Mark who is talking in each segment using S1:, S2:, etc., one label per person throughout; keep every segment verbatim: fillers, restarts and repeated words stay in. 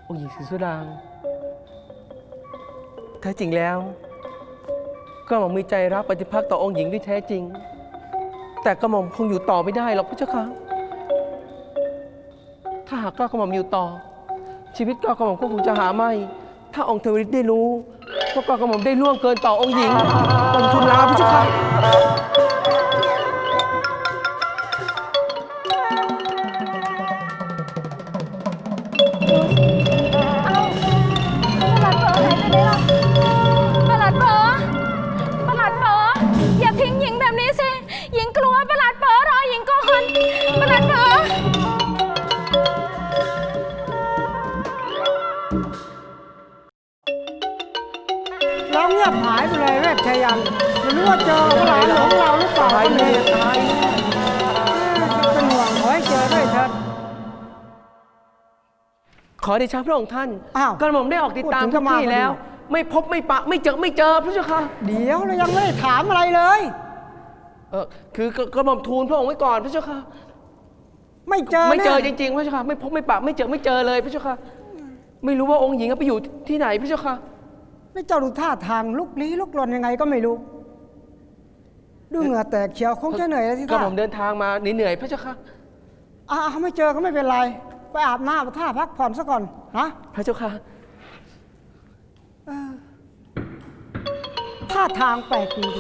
S1: องค์หญิงศรีสุดางแท้จริงแล้วก็หม่อมมีใจรักปฏิภาคต่อองค์หญิงด้วยแท้จริงแต่กระหม่อมคงอยู่ต่อไม่ได้หรอกพระเจ้าค่ะถ้าหากกล้ากระหม่อมอยู่ต่อชีวิตกล้ากระหม่อมก็คงจะหาไม่ถ้าองค์เทวฤทธิ์ได้รู้ว่ากล้ากระหม่อมได้ล่วงเกินต่อองค์หญิงองค์ทูลลาพระเจ้าค่ะ
S2: ประหลัดเป๋อประหลัดเป๋ออย่าทิ้งหญิงแบบนี้สิหญิงกลัวประหลัดเป๋อรอหญิงก่อนประหลัดเป๋อ
S3: เราเงียบหายไปเลยเวชชัยยันไม่รู้ว่าเจอพระหลานหลวงเราหรือเปล่า
S1: ตายแน่ตายแน่
S3: เป็นห่วงขอให้เจอด้วยเถิด
S1: ขอเดชะพระองค์ท่าน
S3: อ้าว
S1: กระหม่อมได้ออกติดตาม
S3: พูดถึง
S1: ทุกที่
S3: ก็มา
S1: แล้ว
S3: พอดี
S1: ไม่พบไม่ปะไม่เจอไม่เจอพระเจ้าค่ะ
S3: เดี๋ยวเรายังไม่ได้ถามอะไรเลย
S1: เออคือกระกระหม่อมทูลพระองค์ไว้ก่อนพระเจ้าค่ะ
S3: ไม่เจอ
S1: ไม่เจอ
S3: แน่
S1: จริงๆพระเจ้าค่ะไม่พบไม่ปะไม่เจอไม่เจอเลยพระเจ้าค่ะไม่รู้ว่าองค์หญิงไปอยู่ที่ไหนพระเจ้าค่ะ
S3: ไม่เจ้าดูท่าทางลุกลี้ลุกลนยังไงก็ไม่รู้ดูเหงื่อแตกเขียวคงจะเหนื่อยแล้วที่
S1: กระ
S3: ท่า
S1: หม่อมเดินทางมาเหนื่อยๆพระเจ้าค่ะ
S3: อ่าไม่เจอก็ไม่เป็นไรไปอาบน้ำอาบท่าพักผ่อนซะก่อนนะ
S1: พระเจ้าค่ะ
S3: ท่าทางแปลกดี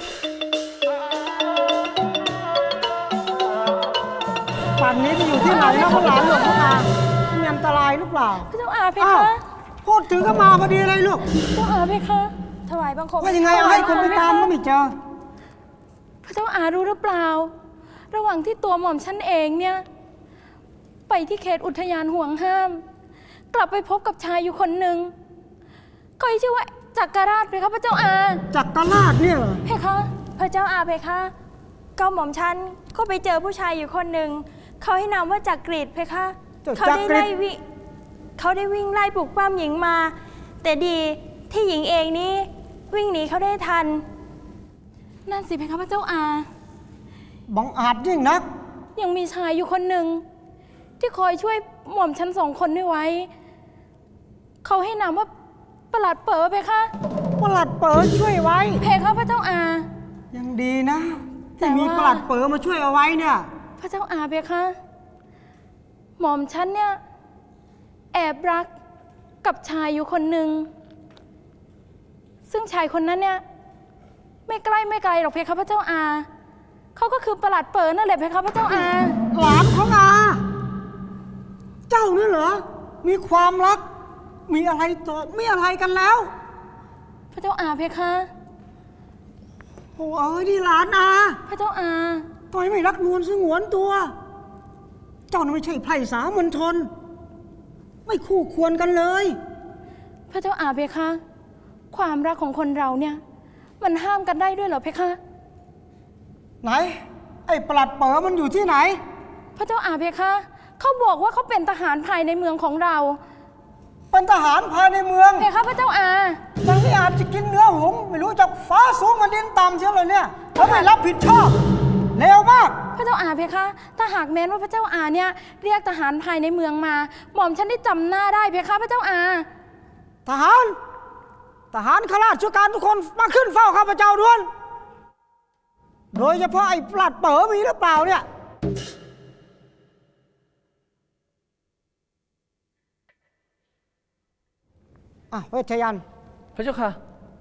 S3: ๆป่านนี้จะอยู่ที่ไหนนะพระหลานหลวงพ่ออามีอันตรายหรือเปล่า
S2: พระเจ้าอาเพ
S3: อ้าว
S2: คะ
S3: พูดถึงก็มาพอดีเลยลูก
S2: พระเจ้าอาเพคะถวายบังคม
S3: ว่ายังไงเอาให้คนไปตามก็ไม่เจอ
S2: พระเจ้าอารู้หรือเปล่า ระหว่างที่ตัวหม่อมฉันเองเนี่ยไปที่เขตอุทยานห่วงห้าม กลับไปพบกับชายอยู่คนหนึ่งก็ชื่อว่าจักรราชเพคะพระเจ้าอา
S3: จักรราชเนี่ยเหรอ
S2: เพคะพระเจ้าอาเพคะก็หม่อมฉันก็ไปเจอผู้ชายอยู่คนหนึ่งเขาให้นามว่าจักรีดเพคะเขาได้ไล่วิเขาได้วิ่งไล่ปลุกปล้ำหญิงมา แต่ดีที่หญิงเองนี่วิ่งหนีเขาได้ทันนั่นสิเพคะพระเจ้าอา
S3: บังอาจยิ่งนัก
S2: ยังมีชายอยู่คนหนึ่งที่คอยช่วยหม่อมฉันสองคนนี้ไว้เขาให้นามว่าประหลัดเป๋อเพคะ
S3: ประหลัดเป๋อช่วยไว้
S2: เพคะพระเจ้าอา
S3: ยังดีนะ
S2: แต่
S3: ที่มี
S2: ว่า
S3: ประหลัดเป๋อมาช่วยเอาไว้เนี่ย
S2: พระเจ้าอาเพคะหม่อมฉันเนี่ยแอบรักกับชายอยู่คนหนึ่งซึ่งชายคนนั้นเนี่ยไม่ใกล้ไม่ไกลหรอกเพคะพระเจ้าอาเขาก็คือประหลัดเป๋อนั่นแหละเพคะพระเจ้าอา
S3: หลานของอา เจ้านี่เหรอ มีความรัก มีอะไรต่อมีอะไรกันแล้ว
S2: พระเจ้าอาเพคะ
S3: โอ้เอ้ยนี่หลานอา
S2: พระเจ้าอา
S3: ทำไมไม่รักนวลสงวนตัว เจ้าน่ะไม่ใช่ไพร่สามัญชน ไม่คู่ควรกันเลย
S2: พระเจ้าอาเพคะ ความรักของคนเราเนี่ยมันห้ามกันได้ด้วยเหรอเพคะ
S3: ไหน ไอ้ประหลัดเป๋อมันอยู่ที่ไหน
S2: พระเจ้าอาเพคะเขาบอกว่าเขาเป็นทหารภายในเมืองของเรา
S3: เป็นทหารภายในเมือง
S2: เพคะพระเจ้าอา
S3: บางทีอาจจะกินเนื้อหงส์ไม่รู้จักฟ้าสูงมาดินต่ำเชียวเลยเนี่ยแล้วไม่รับผิดชอบเลวมาก
S2: พระเจ้าอาเพคะ ถ้าหากแม้นว่าพระเจ้าอาเนี่ยเรียกทหารภายในเมืองมา หม่อมฉันได้จำหน้าได้เพคะพระเจ้าอา
S3: ทหาร ทหารข้าราชการทุกคนมาขึ้นเฝ้าข้าพเจ้าด่วน โดยเฉพาะไอ้ปลัดเป๋อมีหรือเปล่าเนี่ย อ่ะเวชยันต์
S1: พระเจ้าค่ะ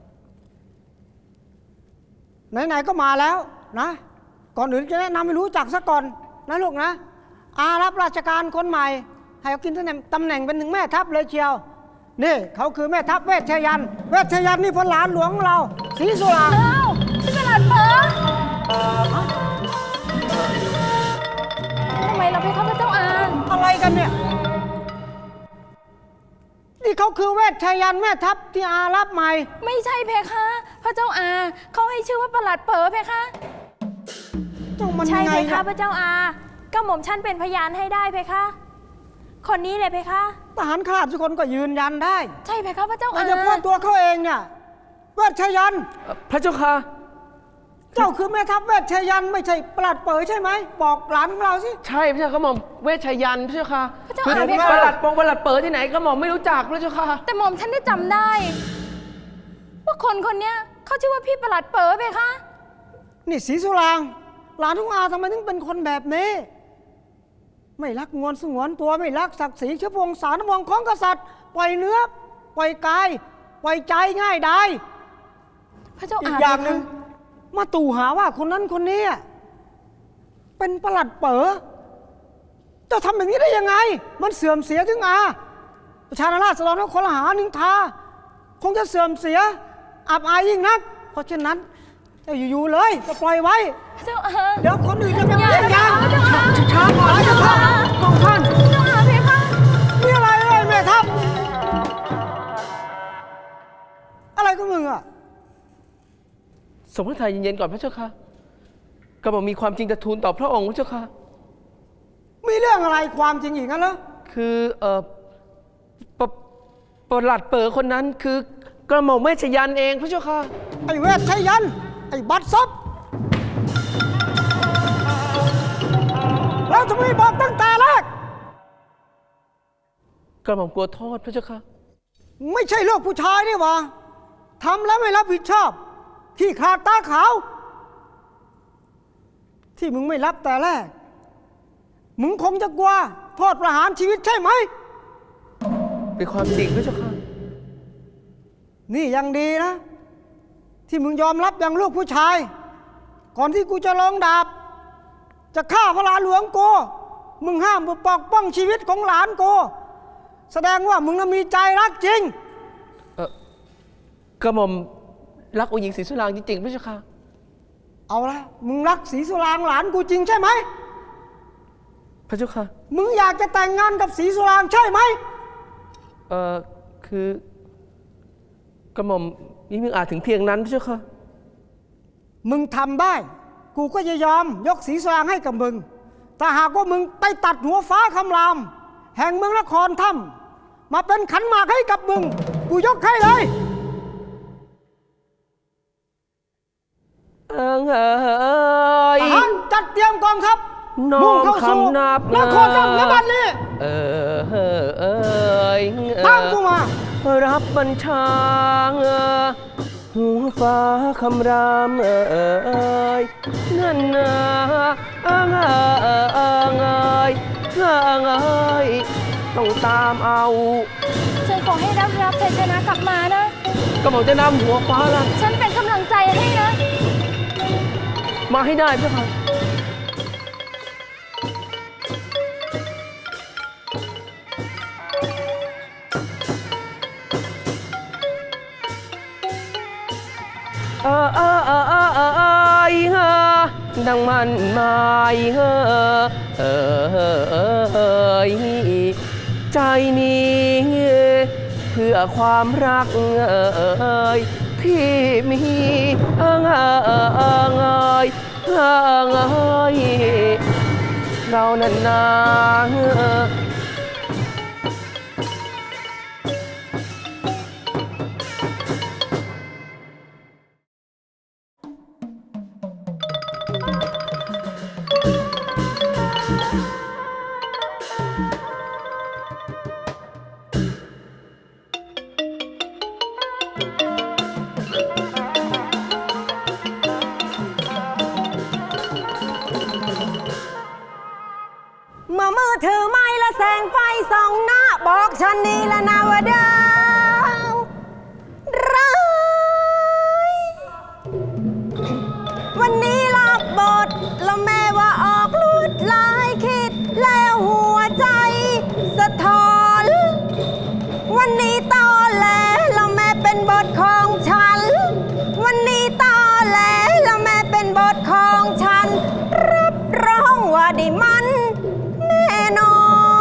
S3: ไหนๆก็มาแล้วนะ ก่อนอื่นจะแนะนำให้รู้จักซะก่อนนะลูกนะ อารับราชการคนใหม่ ให้เขากินตำแหน่งตำแหน่งเป็นถึงแม่ทัพเลยเชียว นี่เขาคือแม่ทัพเวชยันต์เวชยันต์นี่พลหลานหลวงของเราศรีสุรา
S2: อ้าวพี่ประหลัดเป๋อทำไมเราเพคะพระเจ้าอา
S3: อะไรกันเนี่ย นี่เขาคือเวชยันต์แม่ทัพที่อารับใหม่
S2: ไม่ใช่เพคะ พระเจ้าอาเขาให้ชื่อว่าประหลัดเป๋อเพคะ
S3: เจ้ามัน
S2: ใช่
S3: ยังไง
S2: เพ
S3: เนี่
S2: คะ
S3: ย
S2: พระเจ้าอาก็หม่อมฉันเป็นพยานให้ได้เพคะ คนนี้เลยเพคะ
S3: ทหารข้าราชการก็ยืนยันได้
S2: ใช่เพคะพระเจ้า
S3: โด
S2: อาย
S3: เฉพาะตัวเขาเองเนี่ยเวชยันต์
S1: พระเจ้าค่ะ
S3: เจ้าคือแม่ทัพเวชชยันต์ไม่ใช่ประหลัดเป๋อใช่ไหมบอกหลานของเราสิ
S1: ใช่พระเจ้ากระหม่อมเวชยันต์พระเจ้าค่ะ
S2: พระเจ้า
S1: คือ
S2: อาเพคะ
S1: ประหลัดปงประหลัดเปิดที่ไหนกระหม่อมไม่รู้จักพระเจ้าค่ะ
S2: แต่หม่อมฉันได้จำได้ ว่าคนคนเนี้ยเขาชื่อว่าพี่ประหลัดเป๋อเพคะ
S3: นี่ศรีสุรางค์หลานของอาทำไมถึงเป็นคนแบบนี้ ไม่รักงวนสงวนตัวไม่รักศักดิ์ศรีเชื้อพงศาลวงศ์ของกษัตริย์ปล่อยเนื้อปล่อยกายปล่อยใจง่ายได้
S2: พระเจ้า
S3: อี
S2: อาก
S3: อย่าง
S2: เพ
S3: หนึ่ง
S2: คะ
S3: มาตู่หาว่าคนนั้นคนนี้เป็นประหลัดเป๋อเจ้าทำแบบนี้ได้ยังไง มันเสื่อมเสียถึงอาประชาราษฎรและคนละหานินทาคงจะเสื่อมเสียอับอายยิ่งนัก เพราะฉะนั้นจะอยู่ๆเลยจะปล่อยไว้
S2: พระเจ้าอา
S3: เดี๋ยวคนอื่นจะเป็น
S2: อย่า
S3: เรื่องยาง
S2: พระเจ้าอา
S3: ช้าก่อนจะเข้าของท่าน
S2: พระเจ้าอาเพคะ
S3: นี่อะไรเลยแม่ทัพอะไรก็มึงอ่ะ
S1: สมพระทัยเย็นๆก่อนพระเจ้าค่ะกระหม่อมมีความจริงจะทูลต่อพระองค์พระเจ้าค่ะ
S3: มีเรื่องอะไรความจริงอีกงั้นเหรอ
S1: คือเอ่อปะประหลัดเปิดคนนั้นคือกระหม่อมเวชยันต์เองพระเจ้าค่ะ
S3: ไอ้เวทชัยยันต์ไอ้บัตรซบแล้วทำไมบอกตั้งแต่แรก
S1: กระหม่อมกลัวโทษพระเจ้าค่ะ
S3: ไม่ใช่ลูกผู้ชายนี่หวะทำแล้วไม่รับผิดชอบที่ขาดตาขาว ที่มึงไม่รับแต่แรก มึงคงจะกลัวโทษประหารชีวิตใช่ไหม
S1: เป็นความจริงพระเจ้าค่ะ
S3: นี่ยังดีนะ ที่มึงยอมรับอย่างลูกผู้ชาย ก่อนที่กูจะลงดาบ จะฆ่าพระหลานหลวงกูมึงห้ามปกป้องชีวิตของหลานกูแสดงว่ามึงน่ะมีใจรักจริง
S1: เออกระหม่อมรักองค์หญิงศรีสุรางค์จริงๆพระเจ้าค่ะ
S3: เอาละมึงรักศรีสุรางค์หลานกูจริงใช่ไหม
S1: พระเจ้าค่ะ
S3: มึงอยากจะแต่งงานกับศรีสุรางค์ใช่ไหม
S1: เอ่อคือกระหม่อมนี่มึงอาจถึงเพียงนั้นพระเจ้าค่ะ
S3: มึงทำได้ กูก็จะยอมยกศรีสุรางค์ให้กับมึง แต่หากว่ามึงไปตัดหัวฟ้าคำราม แห่งเมืองนครถ้ำมาเป็นขันหมากให้กับมึง กูยกให้เลย
S1: เอิงเอ๋ย
S3: ทหารจัดเตรียมกองทัพ
S1: น้อง
S3: มุ่งเข้าสู่
S1: คำนับ
S3: นครถ้ำณบัดนี้
S1: เออเออเอ้ย
S3: ตามกูมา
S1: รับบัญชาเออหัวฟ้าคำรามเออเอยนั่นนะเอิงเออเออเอิงเอยเอิงเอยต้องตามเอา
S2: ฉันขอให้รับรับชัยชนะกลับมานะ
S1: ก็บอกจะนำหัวฟ้าละ
S2: ฉันเป็นกำลังใจให้นะ
S1: มาให้ได้เพื่อค่ะ เออเออเออเออเออเออเออดังมันหมายเออเออเออเออเออใจนี้เพื่อความรักเออเออที่มีเออเออเออเออเออเออเออเรานั้นนาเออ
S4: เมื่อมือถือไม้และแสงไฟส่องหน้าบอกฉันนี่ละนาว่าดาวร้ายวันนี้รับบทแล้วแม่ว่าออกลวดลายคิดแล้วหัวใจสะท้อน วันนี้ตอแหลแล้วแม่เป็นบทของฉัน วันนี้ตอแหลแล้วแม่เป็นบทของฉัน รับรองว่าได้มันแน่นอน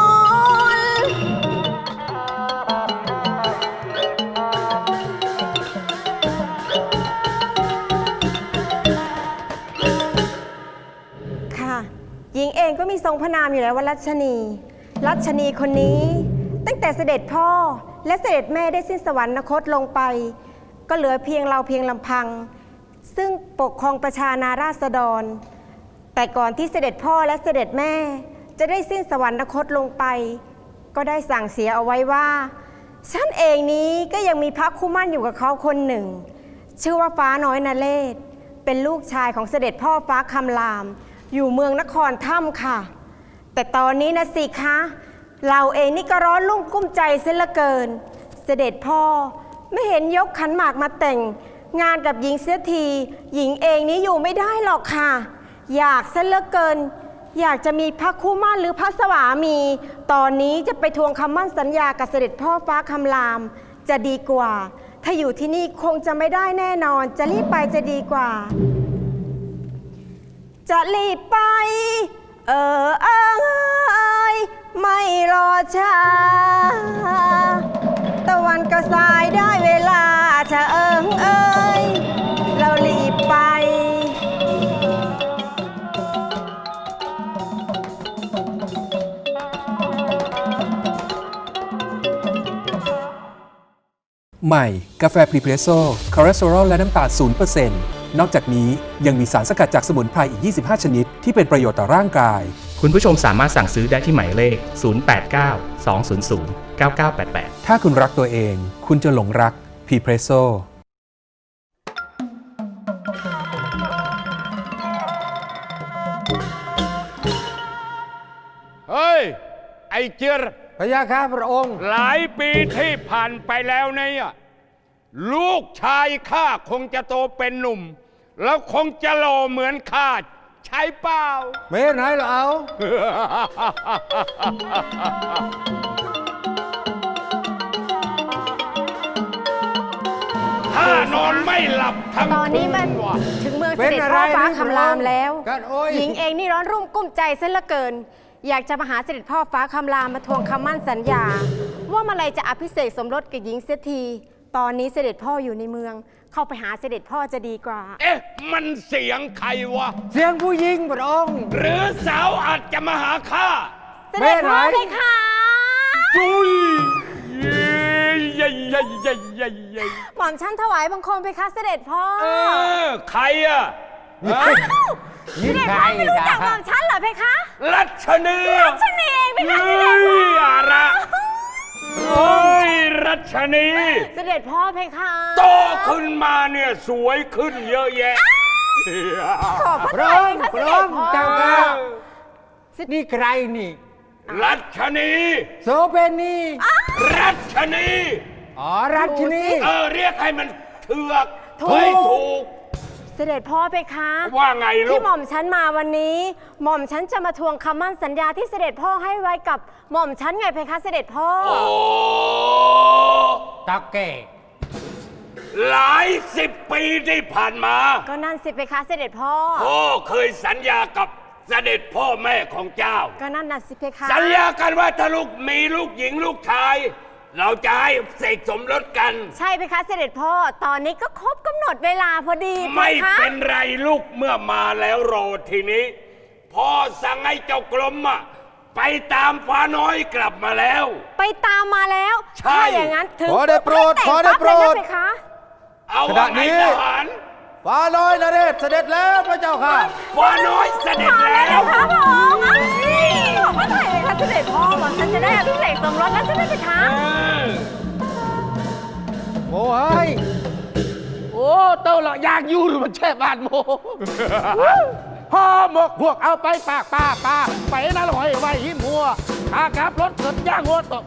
S4: ค่ะ หญิงเองก็มีทรงพระนามอยู่แล้วว่ารัชนี รัชนีคนนี้ตั้งแต่เสด็จพ่อและเสด็จแม่ได้สิ้นสวรรคตลงไป ก็เหลือเพียงเราเพียงลำพังซึ่งปกครองประชานาราษฎร แต่ก่อนที่เสด็จพ่อและเสด็จแม่จะได้สิ้นสวรรคตลงไป ก็ได้สั่งเสียเอาไว้ว่าฉันเองนี้ก็ยังมีพระคู่มั่นอยู่กับเขาคนหนึ่ง ชื่อว่าฟ้าน้อยนเรศเป็นลูกชายของเสด็จพ่อฟ้าคำรามอยู่เมืองนครถ้ำค่ะ แต่ตอนนี้นะสิคะเราเองนี่ก็ร้อนรุ่มกุ้มใจเสียเหลือเกิน เสด็จพ่อไม่เห็นยกขันหมากมาแต่งงานกับหญิงเสียทีหญิงเองนี้อยู่ไม่ได้หรอกค่ะ อยากเสียเหลือเกิน อยากจะมีพระคู่มั่นหรือพระสวามี ตอนนี้จะไปทวงคำมั่นสัญญากับเสด็จพ่อฟ้าคำรามจะดีกว่า ถ้าอยู่ที่นี่คงจะไม่ได้แน่นอน จะรีบไปจะดีกว่า จะรีบไป เออเอยไม่รอช้าตะวันก็สายได้เวลาจะเอิงเอยเรารีบไป
S5: ใหม่กาแฟพรีเพรสโซ่คอเลสเตอรอลและน้ำตาล ศูนย์เปอร์เซ็นต์ นอกจากนี้ยังมีสารสกัดจากสมุนไพรอีก ยี่สิบห้า ชนิดที่เป็นประโยชน์ต่อร่างกาย
S6: คุณผู้ชมสามารถสั่งซื้อได้ที่หมายเลข ศูนย์ แปด เก้า สอง ศูนย์ ศูนย์ เก้า เก้า แปด แปด
S5: ถ้าคุณรักตัวเอง คุณจะหลงรักพรีเพรสโซ่
S7: เฮ้ย ไอ้เจียร
S3: พระยาค่ะพระองค์
S7: หลายปีที่ผ่านไปแล้วเนี่ยลูกชายข้าคงจะโตเป็นหนุ่ม แล้วคงจะหล่อเหมือนข้าใช่เปล่า
S3: ไม่ไหนเหรอเอา
S7: ข้านอนไม่หลับทั้ง
S4: ตอนนี้มัน
S7: คืว่ะ
S4: ถึงเมืองเสด็จพ่อฟ้าคำรามแล้ว
S3: กันโอ้ย
S4: หญิงเองนี่ร้อนรุ่มกุ้มใจเส้นเหลือเกิน อยากจะมาหาเสด็จพ่อฟ้าคำรามมาทวงคำมั่นสัญญา ว่าเมื่อไรจะอภิเษกสมรสกับหญิงเสียทีตอนนี้เสด็จพ่ออยู่ในเมือง เข้าไปหาเสด็จพ่อจะดีกว่า
S7: เอ๊ะ มันเสียงใครวะ
S3: เสียงผู้หญิงพระองค์
S7: หรือสาวอาจจะมาหาข้า
S4: เสด็จพ่อเพคะ
S7: จุยเย้ยเย้ยเย้ยเย้ยเย้ยเย้ย
S4: หม่อมฉันถวายบังคมเพคะเสด็จพ่อ
S7: เออ ใครอะฮะ
S4: เสด็จพ่อไม่รู้จักหม่อมฉันเหรอเพคะ
S7: รัชนี
S4: รัชนีเองเพคะเสด็จพ่อ
S7: เฮ้ยอะระโอ้ยรัชนี
S4: เสด็จพ่อเพคะ
S7: โตขึ้นมาเนี่ยสวยขึ้นเยอะแยะ
S4: ขอบพระ
S3: พระ
S4: ทั
S3: อย งค์
S4: เพคะ
S3: พ
S4: เส
S3: ระ
S4: ด็
S3: อ
S4: จ
S3: งค์
S4: พ่อ
S3: เจ้าค่ะนี่ใครนี่
S7: รัชนี
S3: โสเภณี
S7: รัชนี
S3: อ๋อรัชนี
S7: เออเรียกให้มันเถือก
S4: ถูก
S7: เฮ้ยถูก
S4: เสด็จพ่อเพคะ
S7: ว่าไงลู
S4: ที่
S7: ก
S4: หม่อมฉันมาวันนี้ หม่อมฉันจะมาทวงคำมั่นสัญญาที่เสด็จพ่อให้ไว้กับหม่อมฉันไงเพคะเสด็จพ่อ
S7: โอ้
S3: ตะเกะ
S7: หลายสิบปีที่ผ่านมา
S4: ก็นั่นสิเพคะเสด็จพ่อ
S7: พ่อเคยสัญญากับเสด็จพ่อแม่ของเจ้า
S4: ก็นั่นน่ะสิเพคะ
S7: สัญญากันว่าถ้าลูกมีลูกหญิงลูกชาย เราจะให้เสกสมรสกัน
S4: ใช่เพคะเสด็จพ่อ ตอนนี้ก็ครบกำหนดเวลาพอดีเพ
S7: ไม่
S4: คะ
S7: เป็นไรลูกเมื่อมาแล้วรอทีนี้พ่อสั่งให้เจ้ากลมอะไปตามฟ้าน้อยกลับมาแล้ว
S4: ไปตามมาแล้ว
S7: ใช่
S4: ถ้าอย่างนั้นถึง
S8: ขอได้โปรด
S4: แต่ง
S8: ขอได้โปรด
S4: ปั๊บเลยนะเพคะ
S7: เอา
S8: ขณะ
S7: ว่าไง
S8: นี้
S7: ทหาร
S8: ฟ้าน้อยนเรศเสด็จแล้วพระเจ้าค่ะ
S7: ฟ้าน้อยเสด็จแล้ว
S4: พระพระองค์อ่ะขอบพระทัยเลยค่ะเสด็จพ่อหม่อมฉันจะได้อภิเษกสมรสแล้วใช่ไหมเพคะ
S7: เออ
S8: โอ้เฮ้ย
S1: โอ้เต้าละอยากอยู่หรือมันแช่บาดโม
S8: พ่อหมกพวกเอาไปปากป้าป้าไปนั่นหอยไว้หิมหัวขากลับรถเกิดย่างหัวตก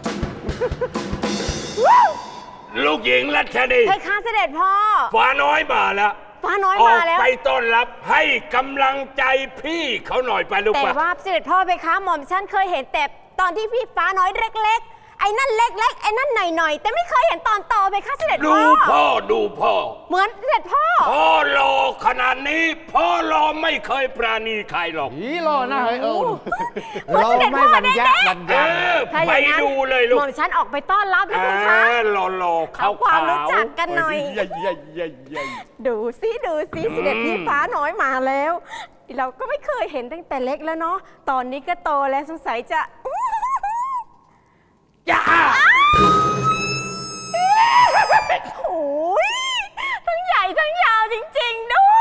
S7: ลูกหญิงรัชนี
S4: เพคะเสด็จพ่อ
S7: ฟ้าน้อยมาแล้ว
S4: ฟ้าน้อย
S7: ออ
S4: มาก แล้ว
S7: ไปต้อนรับให้กำลังใจพี่เขาหน่อยไปลูก
S4: แต่
S7: ปะ
S4: ว่าเสด็จพ่อเพคะหม่อมฉันเคยเห็นแต่ตอนที่พี่ฟ้าน้อยเล็กๆ ไอ้นั่นเล็กๆ ไอ้นั่นหน่อยๆ แต่ไม่เคยเห็นตอนโตเพคะเสด็จ
S7: ดู
S4: พ่อ
S7: พ่อดูพ่อ
S4: เหมือนเสด็จพ่อ
S7: พ่อรอขนาดนี้พ่อรอไม่เคยปราณีใครหรอก
S8: ผีรอหน้าเฮ้ยเออ
S3: เราไม่บรรยะบรร
S7: เอย
S3: ะ
S7: อ
S4: ถ้าอ
S7: ไป
S4: ย่างนั้น
S7: ดูเลยลู
S4: ห
S7: ก
S4: ม่อมฉันออกไปต้อนรับนะเพคะ
S7: รอรอๆขาว
S4: เอาความรู้จักกันหน่อย
S7: เย้เย้เย้เย้
S4: ดูซิดูซิเสด็จพี่ฟ้าน้อยมาแล้ว เราก็ไม่เคยเห็นตั้งแต่เล็กแล้วเนาะตอนนี้ก็โตแล้วสงสัยจะ
S7: จ้า
S4: โอ้ยทั้งใหญ่ทั้งยาวจริงๆด้ว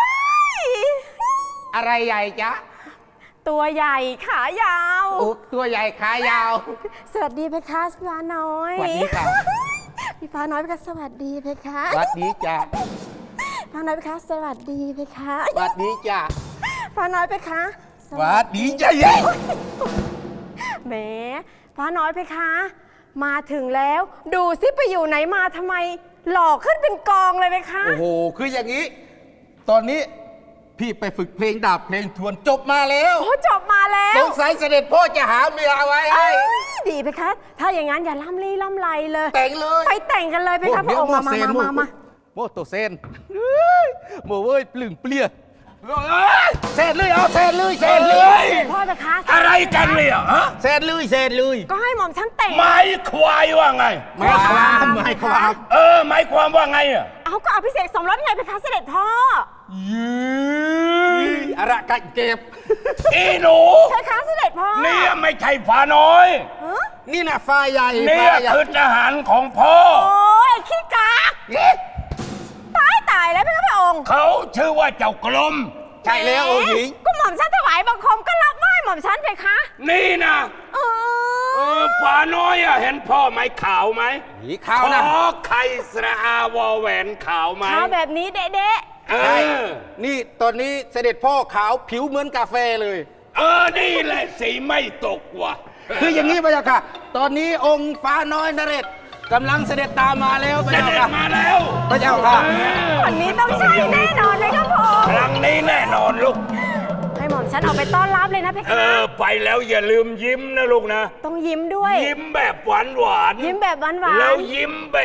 S8: อะไรใหญ่จ๊ะ
S2: ตัวใหญ่ขายาว
S8: โอ้ตัวใหญ่ขายาว
S2: สวัสดีเพคะพี่ฟ้าน้อย
S8: สวัสดีค่ะ
S2: พี่ฟ้าน้อยเพคะสวัสดีเพคะ
S8: สวัสดีจ้ะ
S2: ฟ้าน้อยเพคะสวัสดีเพคะ
S8: สวัสดีจ้ะ
S2: ฟ้าน้อยเพคะ
S8: สวัสดีจ้ะเย้
S2: แหมฟ้าน้อยเพคะ มาถึงแล้ว ดูสิไปอยู่ไหนมาทำไม หล่อขึ้นเป็นกองเลยเพคะ
S8: โอ้โหคืออย่างนี้ ตอนนี้พี่ไปฝึกเพลงดาบเพลงทวนจบมาแล้ว
S2: โอ้จบมาแล้ว
S8: สงสัยเสด็จพ่อจะหาเมียเอาไว้ให้
S2: เอ้ยดีเพคะ ถ้าอย่างนั้นอย่าล่ำลี่ล่ำไรเลย
S8: แต่งเลย
S2: ไปแต่งกันเลยเพคะพระองค์มามามามามา
S8: โมโตเซนโมเว้ยปลึงเปลี่ยเซนเลยเอาเซนเลยเซนเลย
S2: พ่อเพคะ
S7: อะไรกันเนี่ยฮะ
S8: เซนเลยเซนเลย
S2: ก็ให้หม่อมฉันแต่ง
S7: ไม้ควายว่าไง
S8: ไม่ความไม่ความ
S7: เออหมายความว่าไงอ่ะ
S2: เอาก็อภิเษกสมรสไงเพคะเสด็จพ่อ
S8: อะไรกันเก็บ
S7: อีหนู
S2: เพคะเสด็จพ่อ
S7: เนี่ยไม่ใช่ฝาน้อย
S2: ฮะ
S8: นี่นะฟ้าใหญ่
S7: เนี่
S8: ฟ้าย ใหญ่
S7: คือทหารของพ่อ
S2: โอ้ยขี้กากตายตายแล้วเพคะพระองค์
S7: เขาชื่อว่าเจ้ากลม
S8: ใช่แล้วองค์หญิง
S2: ก็หม่อมฉันถวายบังคมก็รับไหว้หม่อมฉันเพคะ
S7: นี่นะ
S2: เอ
S7: เอ
S2: อ
S7: อฝาน้อยอ่ะเห็นพ่อไหมขาวไหม
S8: หีขาวนะ
S7: ขอไข่สระอาวอแหวนขาวไหม
S2: เท้าแบบนี้เด๊ะ
S7: เอ
S8: ใช่
S7: อ
S8: นี่ตอนนี้เสด็จพ่อขาวผิวเหมือนกาแฟเลย
S7: เออนี่แหละสีไม่ตกว่ะ
S8: คืออย่างนี้พระเจ้าค่ะ ตอนนี้องค์ฟ้าน้อยนเรศกำลังเสด็จตามมาแล้วพระ
S7: จะ
S8: เจ้า
S7: เด็
S8: ค่ะ
S7: มาแล้ว
S8: พระเจ้าค่ะ
S2: ๆคนนี้ต้องใช่แน่นอนเลยครับพระองค์
S7: ครั้งนี้แน่นอนลูก
S2: ให้หม่อมฉันเอาไปต้อนรับเลยนะเพ
S7: เอ
S2: คะ
S7: อไปแล้วอย่าลืมยิ้มนะลูกนะ
S2: ต้องยิ้มด้วย
S7: ยิ้มแบบหวานหวานๆ
S2: ยิ้มแบบหวานๆ
S7: แล้วยิ้มแบบ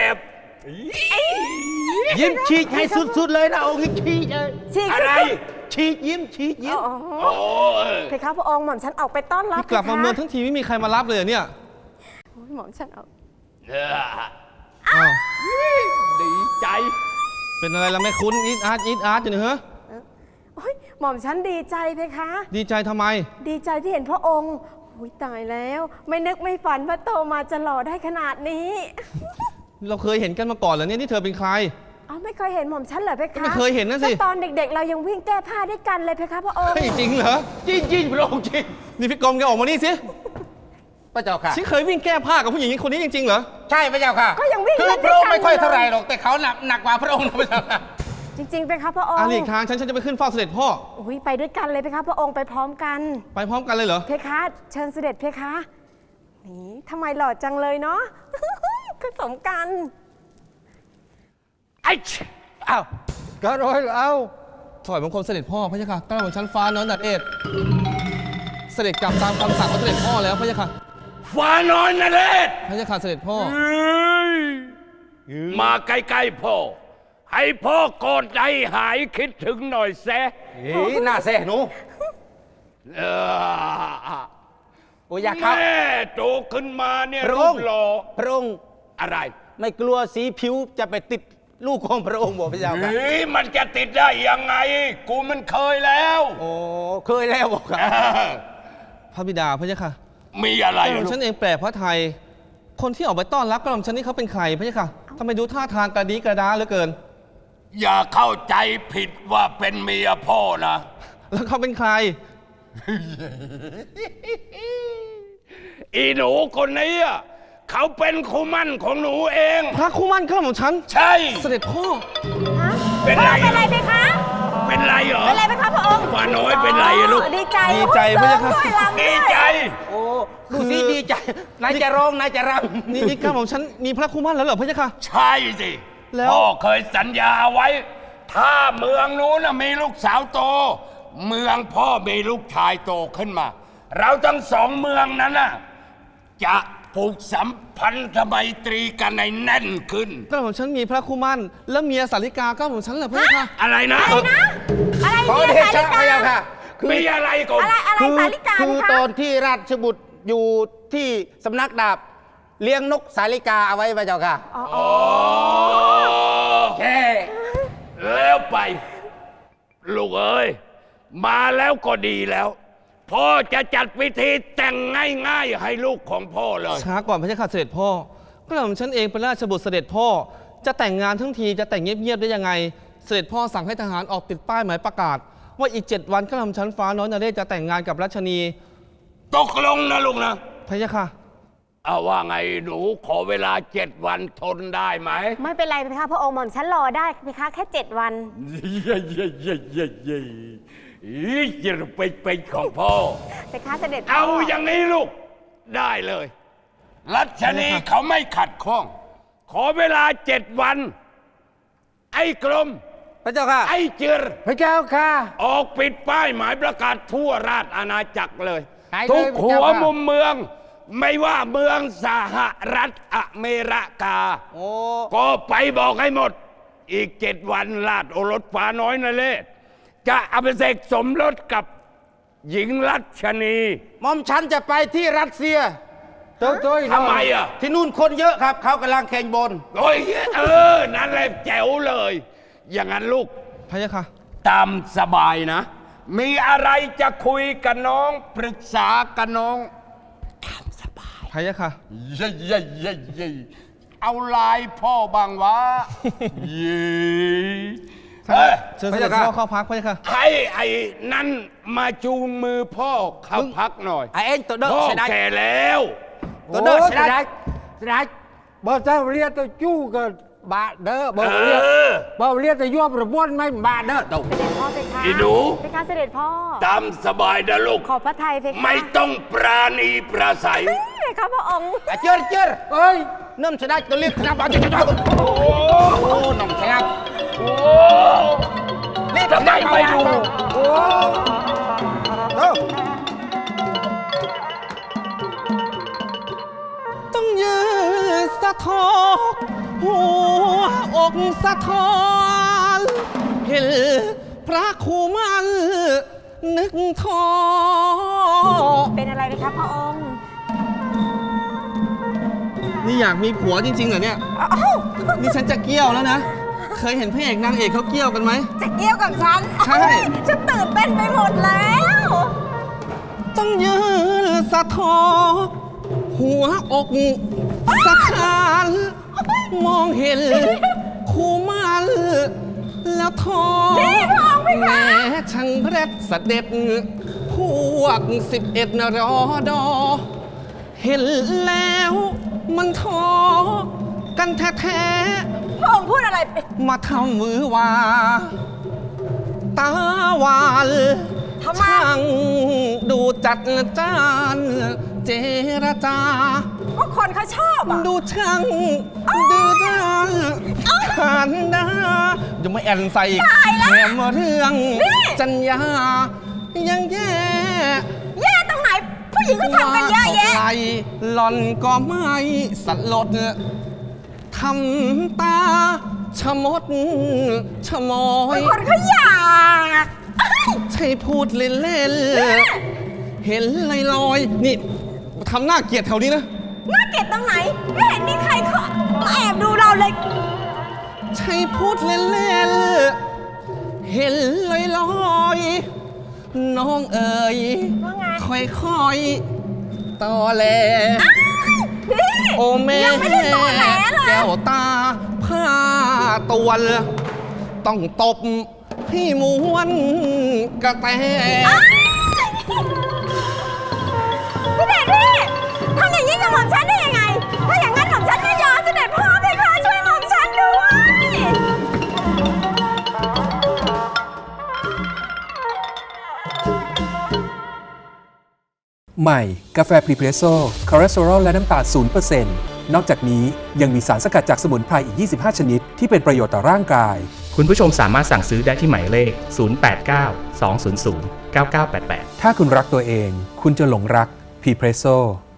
S8: ยิ้มฉีกให้สุดๆเลยนะองค์หญิงฉีกเลย
S2: ฉีก
S7: อะไร
S8: ฉีกยิ้มฉีกยิ้ม
S2: อ๋อ
S7: โอ้เออ
S2: เพคะพระองค์หม่อมฉันออกไปต้อนรับ
S9: นี่กลับมาเมืองทั้งทีไม่มีใครมารับเลยเหรอเนี่ย
S2: โอ้ยหม่อมฉันเอา
S7: เออ
S9: อ้าว
S7: ดีใจ
S9: เป็นอะไรล่ะแม่คุณอีทอาร์ตอีทอาร์ตอยู่เนี่ยเหรอ
S2: โอ้ยหม่อมฉันดีใจเพคะ
S9: ดีใจทำไม
S2: ดีใจที่เห็นพระองค์อุ้ยตายแล้ว ไม่นึกไม่ฝันว่าโตมาจะหล่อได้ขนาดนี้
S9: เราเคยเห็นกันมาก่อนเหรอเนี่ยนี่เธอเป็นใคร
S2: เอาไม่เคยเห็นหม่อมฉันเหรอเพคะ
S9: ไม่เคยเห็นนะสิ
S2: ก็ตอนเด็กๆ เรายังวิ่งแก้ผ้าด้วยกันเลยเพคะพระองค์
S9: เฮ้ยจริงเหรอ
S8: จริงจริงพระองค์จริง
S9: นี่พี่กรมแกออกมานี่สิ
S8: พระเจ้าค่ะ
S9: ฉันเคยวิ่งแก้ผ้ากับผู้หญิงคนนี้จริงๆเหรอ
S8: ใช่พระเจ้าค่ะ
S2: ก็ยังวิ่ง
S8: คือ
S2: เล่น
S8: พ
S2: ด้
S8: ระ
S2: ว
S8: อย งค์
S2: กัน
S8: ไม่ค่อยเท่าไหร่
S2: ล
S8: หรอกแต่เขาหนักหนักกว่าพระองค์นะพระเจ้าค่ะ
S2: จริงๆเพคะพระองค์
S9: อาลีกทางฉันฉันจะไปขึ้นเฝ้าเสด็จพ่อ
S2: อุ้ยไปด้วยกันเลยเพคะพระองค์ไปพร้อมกัน
S9: ไปพร้อมกันเลยเหรอ
S2: เพคะเชิญเสด็จเพคะนี่ทำไมหล่อจังเลยเนาะ ก็สมกัน
S7: ไอ้
S8: อ้าวก็ร้อยแล้ว
S9: ถอยบังคมเสด็จพ่อพระเจ้าค่ะกล้าของชั้นฟ้าน้อยนัดเอ็ดเสด็จกลับตามคำสั่งของเสด็จพ่อแล้วพระเจ้าค่ะ
S7: ฟ้าน้อยนะเลศ
S9: พระเจ้าค่ะเสด็จพ่อ
S7: มาใกล้ๆพ่อ ให้พ่อกอดใจหายคิดถึงหน่อยแซะ
S8: เฮ้ยหน้าแซ่หนู
S7: เออ
S8: โอ้ยอยากเข้า
S7: แม่โตขึ้นมาเนี่ย
S8: พระ
S7: รู
S8: อง
S7: ป
S8: ค์
S7: หล่อ
S8: พระองค์
S7: อะไร
S8: ไม่กลัวสีผิวจะไปติดลูกของพระองค์บอกพระเจ้าค่ะ
S7: เฮ้ยมันจะติดได้ยังไง กูมันเคยแล้ว
S8: โอ้เคยแล้วบอกครับ
S9: พระบิดาพระเจ้าค่ะ
S7: มีอะไร
S9: กระหม่อม
S7: ลูก
S9: ฉันเองแปลพระไทย คนที่ออกไปต้อนรับกระหม่อมฉันนี่เขาเป็นใครพระเจ้าค่ะทำไมดูท่าทางกระดีกระดาเหลือเกิน
S7: อย่าเข้าใจผิดว่าเป็นเมียพ่อนะ
S9: แล้วเขาเป็นใคร
S7: อีหนูคนนี้อะเขาเป็นคู่มั่นของหนูเอง
S9: พระคู่มั่นกระหม่อมฉัน
S7: ใช่
S9: เสด็จพ่อ
S2: ฮะ
S7: เป็นไร
S2: พ่อเป็นไรเพคะ
S7: เป็นไรเหรอ
S2: เป็นไรเพคะพระองค์
S7: ฟ้าน้อยเป็นไรอะลูก
S2: ดีใจ
S9: ดีใจ
S2: โอ้ย
S9: พระเจ้าค่ะ
S2: เสริมด้วยรำ
S7: ดี
S2: ด้วย
S7: ใจ
S8: โอ้ดูสิดีใจนายจะร้องนายจะร
S9: นี่นี่กระหม่อมฉันมีพระคู่มั่นแล้วเหรอพระเจ้าค่ะ
S7: ใช่สิ
S9: แล้ว
S7: พ่อเคยสัญญาเอาไว้ ถ้าเมืองนู้นนะมีลูกสาวโต เมืองพ่อมีลูกชายโตขึ้นมา เราทั้งสองเมืองนั้นน่ะจะผูกสัมพันธไมตรีกันในแน่นขึ้น
S9: กระหม่อมฉันมีพระคู่มั่นแล้วเมียสาริกากระหม่อมฉันเหรอพระเจ้าค่ะ
S7: อะไรนะ
S2: อะไร
S8: ำขอ
S2: เนี่ย
S8: เด
S2: สา
S8: ชะ
S2: ลิ
S8: พระเจ้าค่ะ
S7: มีอะไรก่อน
S2: อะไรอะไร
S8: คือ
S2: สาลิกา
S8: คือ
S2: เพคะ
S8: ตอนที่ราชบุตรอยู่ที่สำนักดาบ เลี้ยงนกสาลิกาเอาไว้พระเจ้าค่ะ
S2: อ๋อ
S7: อ๋อ
S8: แค่
S7: แล้วไป ลูกเอ้ย มาแล้วก็ดีแล้ว พ่อจะจัดพิธีแต่งง่ายๆให้ลูกของพ่อเลย
S9: ช้าก่อนพระเจ้าค่ะเสด็จพ่อกระหม่อมฉันเองเป็นราชบุตรเสด็จพ่อ จะแต่งงานทั้งทีจะแต่งเงียบๆได้ยังไง เสด็จพ่อสั่งให้ทหารออกติดป้ายหมายประกาศว่าอีกเจ็ดวันก็ทำชั้นฟ้าน้อยนเรศจะแต่งงานกับรัชนี
S7: ตกลงนะลูกนะ
S9: พะยะค่ะ
S7: เอาว่าไงหนูขอเวลาเจ็ดวันทนได้ไหม
S4: ไม่เป็นไรเพคะพระองค์หม่อมฉันรอได้เพคะแค่เจ็ดวัน
S7: เย่เย่เย่เย่เย่อีจะไปเป็นของพ่อ
S4: เพคะเสด็จพ่
S7: เอาอย่างนี้ลูกได้เลย รัชนีเขาไม่ขัดข้อง ขอเวลาเจ็ดวัน ไอ้กรม
S3: พระเจ้าค่ะ
S7: ไอ้เจิร
S3: พระเจ้าค่ะ
S7: ออกปิดป้ายหมายประกาศทั่วราชอาณาจักรเลย
S3: ไหนเลย
S7: ทุก
S3: พระ
S7: หั
S3: เจ้าว ค่ะ
S7: มุมเมือง ไม่ว่าเมืองสหรัฐอเมริกา
S3: โอ้
S7: ก็ไปบอกให้หมด อีกเจ็ดวันราชโอรสฟ้าน้อยนเรศจะอภิเษกสมรสกับหญิงรัชนี
S8: หม่อมฉันจะไปที่รัสเซีย
S3: โจ้โจ้
S7: ทำไมอ่ะ
S8: ที่นู่นคนเยอะครับ เขากำลังแข่งบน
S7: โอ้ยเออ นั่นแหละแจ๋วเลย อย่างนั้นลูก
S9: พะยะค่ะ
S7: ตามสบายนะ มีอะไรจะคุยกับน้องปรึกษากับน้องตามสบาย
S9: พะยะค่ะ
S7: เย่เย่เย่เย่เอาลายพ่อบางวะ เย่เฮ้ย
S9: เชิญเสด็จพ่อเข้าพักพะยะค่ะ
S7: ให้ไอ้นั่นมาจูงมือพ่อเข้าพักหน่อย
S8: ไอ้เอ็งตัวเด้อ
S7: พ่อ
S8: เสียดาย
S7: แก่แล้ว
S8: ตัวเด้อ
S3: โอ้
S8: เสียดาย
S3: เสียดายบ่เจ้าเรียกตัวจู้กับบาเด้อบ่
S7: เอ
S3: เรียก
S7: อ
S3: บ่เรียกแต่ยั่วประบวนไม่บาเด้อตก
S4: เสด็จพ่อเพคะ
S7: อีหนู
S4: เพคะเสด็จพ่อ
S7: ตามสบายนะลูก
S4: ขอพระทัยเพคะ
S7: ไม่ต้องปราณีประสัย
S4: เพคะพระองค์
S8: ไอ้เจิรเจิร
S3: เอ้ย
S8: น้ำเสียดายตัวเล็กครับเอาจะจะโอ้โหน้ำเสียดาย
S7: โอ้นี่ทำไมไม่ดู
S3: โอ้
S8: เด้อ
S9: ต้องยืนสะทอกหัวอกสะท้อนเห็นพระครูมันนึกท้อ
S4: เป็นอะไรเพคะพระองค์
S9: นี่อยากมีผัวจริงๆเหรอเนี่ย นี่ฉันจะเกี้ยวแล้วนะ เคยเห็นพระเอกนางเอกเขาเกี้ยวกันไหม
S4: จะเกี่ยวกับฉัน
S9: ใช่
S4: ฉันตื่นเต้นไปหมดแล้ว
S9: ต้องยืนสะทอกหัวอกสะท้านมองเห็นคู่มันแล้วท้อ
S4: นี่พระองค์เพคะ
S9: แม้ช่างเร็ดเสด็จพวกสิบเอ็ดนรอดอ เห็นแล้วมันท้อกันแท้
S4: พระองค์พูดอะไร
S9: ๆมาทำมือวา ตาหวาน
S4: ทำไม
S9: ช่างดูจัดจานเจรจา
S4: ก็คนเขาชอบอ่ะ
S9: ดูช่างดื้อด้านขันดายังไม่แอนใส่อีกแถมเรื่องจัญญายังแย่
S4: แย่ตรงไหน ผู้หญิงเขาทำกันเยอะแยะ
S9: ว่าเท่าไหร่หล่อนก็ไม่สลดทำตาชะมดชะมอย
S4: คนเขาอยาก
S9: ใช่พูดเล่นๆ เห็นลอยๆ นี่ทำหน้าเกลียดแถวนี้นะ
S4: น่าเกลียดตรงไหน ไม่เห็นมีใครเขามาแอบดูเราเลย
S9: ใช่พูดเล่นๆ เห็นลอยๆ น้องเอ๋ย
S4: ว่าไง
S9: ค่อยๆตอแหล
S4: นี่
S9: โอแม่
S4: ยังไม่ได้ตอแหลเลย
S9: แก้วตาผ้าตวนต้องตบให้ม้วนกระแต
S2: เสด็จพี่ทำอย่างนี้กับหม่อมฉันได้ยังไง ถ้าอย่างนั้นหม่อมฉันไม่ยอมเสด็จพ่อเพคะช่วยหม่อมฉันด้วย
S5: ใหม่ กาแฟพรีเพรสโซ่คอเลสเตอรอลและน้ำตาลศูนย์เปอร์เซ็นต์ นอกจากนี้ยังมีสารสกัดจากสมุนไพรอีก ยี่สิบห้า ชนิด ที่เป็นประโยชน์ต่อร่างกาย
S6: คุณผู้ชมสามารถสั่งซื้อได้ที่หมายเลข ศูนย์ แปด เก้า สอง ศูนย์ ศูนย์ เก้า เก้า แปด แปด
S5: ถ้าคุณรักตัวเอง คุณจะหลงรักพรีเพรสโซ่